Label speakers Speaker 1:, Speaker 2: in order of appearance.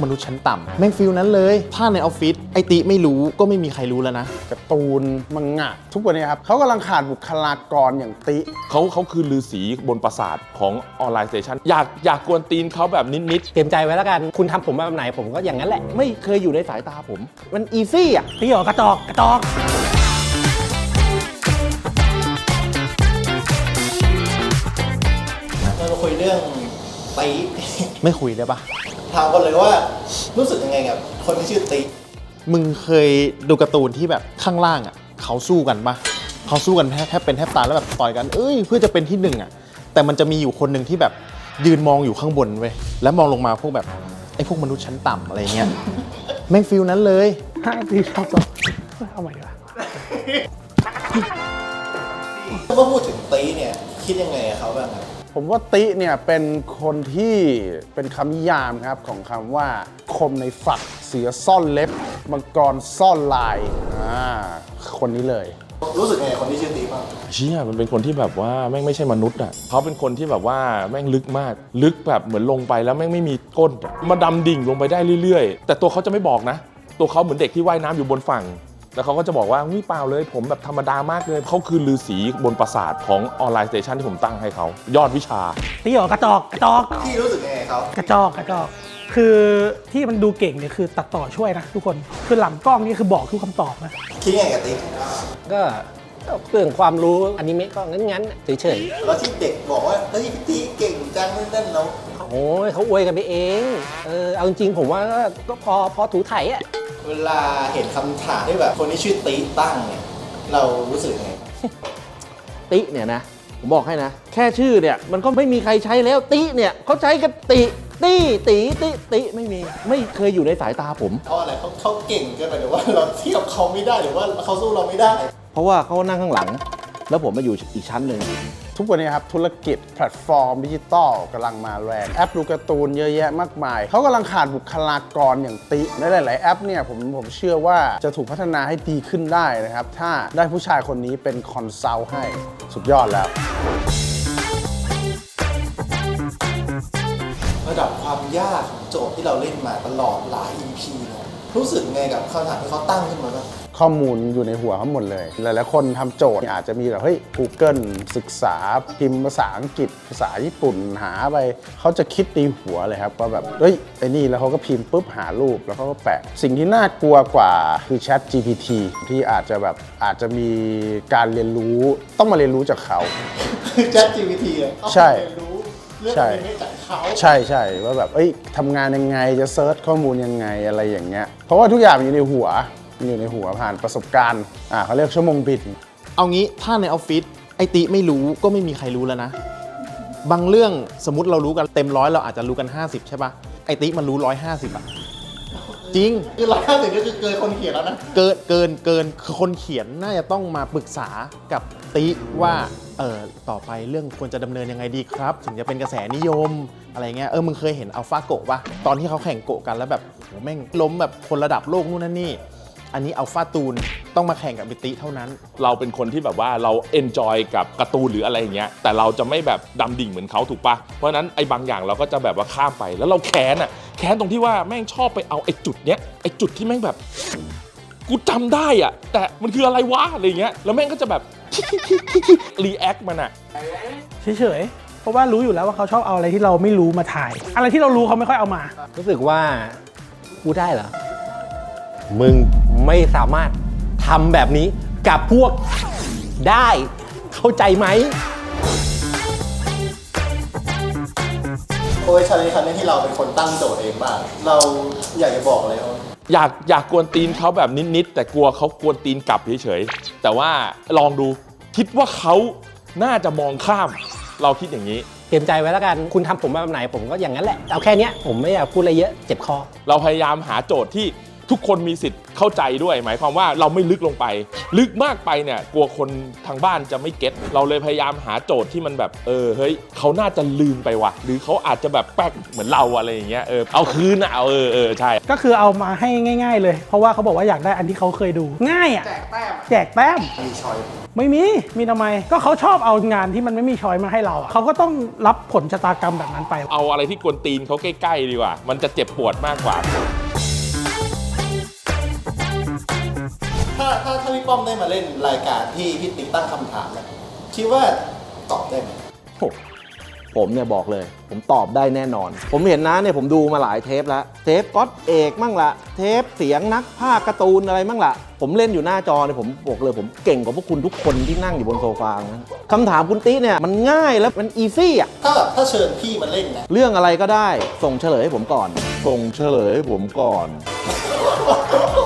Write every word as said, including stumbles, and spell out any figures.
Speaker 1: มนุษย์ชั้นต่ำแม่งฟิลนั้นเลยถ้าในออฟฟิศไอติไม่รู้ก็ไม่มีใครรู้แล้วนะ
Speaker 2: การ์ตูนมังงะทุกวันนี้ครับเขากำลังขาดบุคลากรอย่างติ
Speaker 3: เขาเขาคือฤาษีบนปราสาทของออนไลน์สเตชันอยากอยากกวนตีนเขาแบบนิดๆ
Speaker 4: เตรียมใจไว้แล้วกันคุณทำผมแบบไหนผมก็อย่างนั้นแหละ
Speaker 1: ไม่เคยอยู่ในสายตาผมมันอีซี่อ่ะ
Speaker 4: พี่หรอกระจอกกระจอก
Speaker 5: เรามาคุยเรื่องตี
Speaker 1: ไม่คุยได้ปะ
Speaker 5: ถามกันเลยว่ารู้สึกยังไงกับคนที่ชื่อตี
Speaker 1: มึงเคยดูการ์ตูนที่แบบข้างล่างอ่ะเขาสู้กันปะเขาสู้กันแทบแทบเป็นแทบตายแล้วแบบต่อยกันเอ้ยเพื่อจะเป็นที่หนึ่งอ่ะแต่มันจะมีอยู่คนหนึ่งที่แบบยืนมองอยู่ข้างบนเว้ยแล้วมองลงมาพวกแบบไอ้พวกมนุษย์ชั้นต่ำอะไรเงี้ยแม่งฟิลนั้นเลย
Speaker 4: ห้าปีชอบต่อเอาใหม่ดีกว่า
Speaker 5: ถ้าพูดถึงตีเนี่ยคิดยังไงกับเขาบ้างครับ
Speaker 2: ผมว่าติเนี่ยเป็นคนที่เป็นคำนิยามครับของคำว่าคมในฝักเสือซ่อนเล็บมังกรซ่อนลายอ่าคนนี้เลย
Speaker 5: รู้สึกไงคนที่ชื่อตีบ้าง
Speaker 3: เชี่ยมันเป็นคนที่แบบว่าแม่งไม่ใช่มนุษย์อ่ะเขาเป็นคนที่แบบว่าแม่งลึกมากลึกแบบเหมือนลงไปแล้วแม่งไม่มีก้นมาดำดิ่งลงไปได้เรื่อยๆแต่ตัวเขาจะไม่บอกนะตัวเขาเหมือนเด็กที่ว่ายน้ำอยู่บนฝั่งแล้วเขาก็จะบอกว่าวิเปล่าเลยผมแบบธรรมดามากเลยเขาคือฤาษีบนปราสาทของออนไลน์สเตชันที่ผมตั้งให้เขายอดวิชา
Speaker 4: พี่หรอกระจอกกระจอก
Speaker 5: พี่รู้สึกยังไงเขา
Speaker 4: กระจอกกระจอกคือที่มันดูเก่งเนี่ยคือตัดต่อช่วยนะทุกคนคือหลังกล้องนี่คือบอกทุกคำตอบนะ
Speaker 5: คิดยังไงกับตี
Speaker 4: ก็เรื่องความรู้อนิเมะก็งั้นๆเฉย
Speaker 5: ๆแล้วที่เด็กบอกว่าเฮ้ยพี่ตีเก่งจังนั่นๆแล้ว
Speaker 4: โอ้ยเขาอวยกันไปเองเออเอาจริงๆผมว่าก็พอพอถูไถอ่ะ
Speaker 5: เวลาเห็นคำถามที่แบบคนที่ชื่อตีตั้งเนี่ยเรารู้สึกยังไง
Speaker 1: ติเนี่ยนะผมบอกให้นะแค่ชื่อเนี่ยมันก็ไม่มีใครใช้แล้วติเนี่ยเขาใช้กันติตีตีติติไม่มีไม่เคยอยู่ในสายตาผม
Speaker 5: เพราะอะไรเขาเขาเก่งเกินไปหรือว่าเราเทียบเขาไม่ได้หรือว่าเขาสู้เราไม่ได้
Speaker 1: เพราะว่าเขานั่งข้างหลังแล้วผมมาอยู่อีกชั้นหนึ่ง
Speaker 2: ทุกวันนี้ครับธุรกิจแพลตฟอร์มดิจิตอลกำลังมาแรงแอปดูการ์ตูนเยอะแยะมากมายเขากำลังขาดบุคลากรอย่างติในหลายๆแอปเนี่ยผมผมเชื่อว่าจะถูกพัฒนาให้ดีขึ้นได้นะครับถ้าได้ผู้ชายคนนี้เป็นคอนซัลท์ให้สุดยอดแล้ว
Speaker 5: ระดับความยากของโจทย์ที่เราเล่นมาตลอดหลาย อี พี เนี่ยรู้สึกไงกับคำถามที่เขาตั้งขึ้นมาบ้าง
Speaker 2: ข้อมูลอยู่ในหัวเขาหมดเลยหลายๆคนทำโจทย์อาจจะมีแบบเฮ้ย Google ศึกษาพิมพ์ภาษาอังกฤษภาษาญี่ปุ่นหาไปเขาจะคิดในหัวเลยครับว่าแบบเฮ้ยไอ้นี่แล้วเขาก็พิมพ์ปุ๊บหารูปแล้วเขาก็แปะสิ่งที่น่ากลัวกว่าคือ Chat จี พี ที ที่อาจจะแบบอาจจะมีการเรียนรู้ต้องมาเรียนรู้จากเขา
Speaker 5: Chat จี พี ที อ่ะ
Speaker 2: ใช่
Speaker 5: ใช่
Speaker 2: ใช่ใช่ว่าแบบเอ้ยทำงานยังไงจะเซิร์ชข้อมูลยังไงอะไรอย่างเงี้ยเพราะว่าทุกอย่างอยู่ในหัวอยู่ในหัวผ่านประสบการณ์อ่าเขาเรียกชั่วโมงบิน
Speaker 1: เอางี้ถ้าในออฟฟิศไอติไม่รู้ก็ไม่มีใครรู้แล้วนะบางเรื่องสมมติเรารู้กันเต็มร้อยเราอาจจะรู้กันห้าสิบใช่ปะไอติมันรู้หนึ่งร้อยห้าสิบอ่ะจริง
Speaker 5: คือหนึ่งร้อยห้าสิบก็คือเกินคนเขียนแล้วนะ
Speaker 1: เกินเกินเกินคือคนเขียนน่าจะต้องมาปรึกษากับติว่าเออต่อไปเรื่องควรจะดำเนินยังไงดีครับถึงจะเป็นกระแสนิยมอะไรเงี้ยเออมึงเคยเห็นอัลฟาโกะปะตอนที่เขาแข่งโกะกันแล้วแบบโหแม่งล้มแบบคนระดับโลกนู่นนั่นนี่อันนี้อัลฟาตูนต้องมาแข่งกับบิติเท่านั้น
Speaker 3: เราเป็นคนที่แบบว่าเราเอนจอยกับการ์ตูนหรืออะไรอย่างเงี้ยแต่เราจะไม่แบบดำดิ่งเหมือนเขาถูกปะเพราะฉะนั้นไอ้บางอย่างเราก็จะแบบว่าข้ามไปแล้วเราแค้นอ่ะแค้นตรงที่ว่าแม่งชอบไปเอาไอ้จุดเนี้ยไอ้จุดที่แม่งแบบกูจำได้อ่ะแต่มันคืออะไรวะอะไรเงี้ยแล้วแม่งก็จะแบบรีแอคมันอ่ะ
Speaker 4: เฉยๆเพราะว่ารู้อยู่แล้วว่าเขาชอบเอาอะไรที่เราไม่รู้มาถ่ายอะไรที่เรารู้เขาไม่ค่อยเอามารู้สึกว่ากูได้เหรอมึงไม่สามารถทำแบบนี้กับพวกได้เข้าใจไหม
Speaker 5: โอ้ยชันนี้คันนี้ที่เราเป็นคนตั้งโจทย์เองบ้างเราอยากจะบอกอะไรเขา
Speaker 3: อยากอยากกวนตีนเขาแบบนิดๆแต่กลัวเขากวนตีนกลับเฉยๆแต่ว่าลองดูคิดว่าเขาน่าจะมองข้ามเราคิดอย่างนี้
Speaker 4: เตรียมใจไว้แล้วกันคุณทำผมแบบไหนผมก็อย่างนั้นแหละเอาแค่นี้ผมไม่อยากพูดอะไรเยอะเจ็บคอ
Speaker 3: เราพยายามหาโจทย์ที่ทุกคนมีสิทธิ์เข้าใจด้วยหมายความว่าเราไม่ลึกลงไป ลึกมากไปเนี่ยกลัวคนทางบ้านจะไม่เก็ตเราเลยพยายามหาโจทย์ที่มันแบบเออเฮ้ยเขาน่าจะลืมไปว่ะหรือเขาอาจจะแบบแป๊กเหมือนเราอะไรอย่างเงี้ยเออเอาคืนอ่ะเอาเออเออใช่
Speaker 4: ก็คือเอามาให้ง่าย ๆ เลย เพราะว่าเขาบอกว่าอยากได้อันที่เขาเคยดู ง่ายอ่ะ
Speaker 5: แจกแต้ม
Speaker 4: แจกแต้ม
Speaker 5: มีชอย
Speaker 4: ไม่มี มีทำไม ก็เขาชอบเอางานที่มันไม่มีช้อยมาให้เราอะเขาก็ต้องรับผลชะตากรรมแบบนั้นไป
Speaker 3: เอาอะไรที่กวนตีนเขาใกล้ๆดีกว่า มันจะเจ็บปวดมากกว่า
Speaker 5: ถ้าถ้าถ้าพี่ป้อมได้มาเล่นรายการที่พี่ติ๊กตั้งคำถามเนี่ยคิดว่าตอบได้ไหม
Speaker 6: โอ้ผมเนี่ยบอกเลย ผมตอบได้แน่นอน ผมเห็นนะเนี่ยผมดูมาหลายเทปแล้ว เทปก๊อตเอกมั่งละเทปเสียงนักภาคการ์ตูนอะไรมั่งละผมเล่นอยู่หน้าจอเนี่ยผมบอกเลยผมเก่งกว่าพวกคุณทุกคนที่นั่งอยู่บนโซฟานะคำถามคุณติ๊เนี่ยมันง่ายแล้วมันอีซี่อ่ะ
Speaker 5: ถ้าแบบถ้าเชิญพี่มาเล่นนะ
Speaker 6: เรื่องอะไรก็ได้ส่งเฉลยให้ผมก่อน
Speaker 7: ส่งเฉลยให้ผมก่อน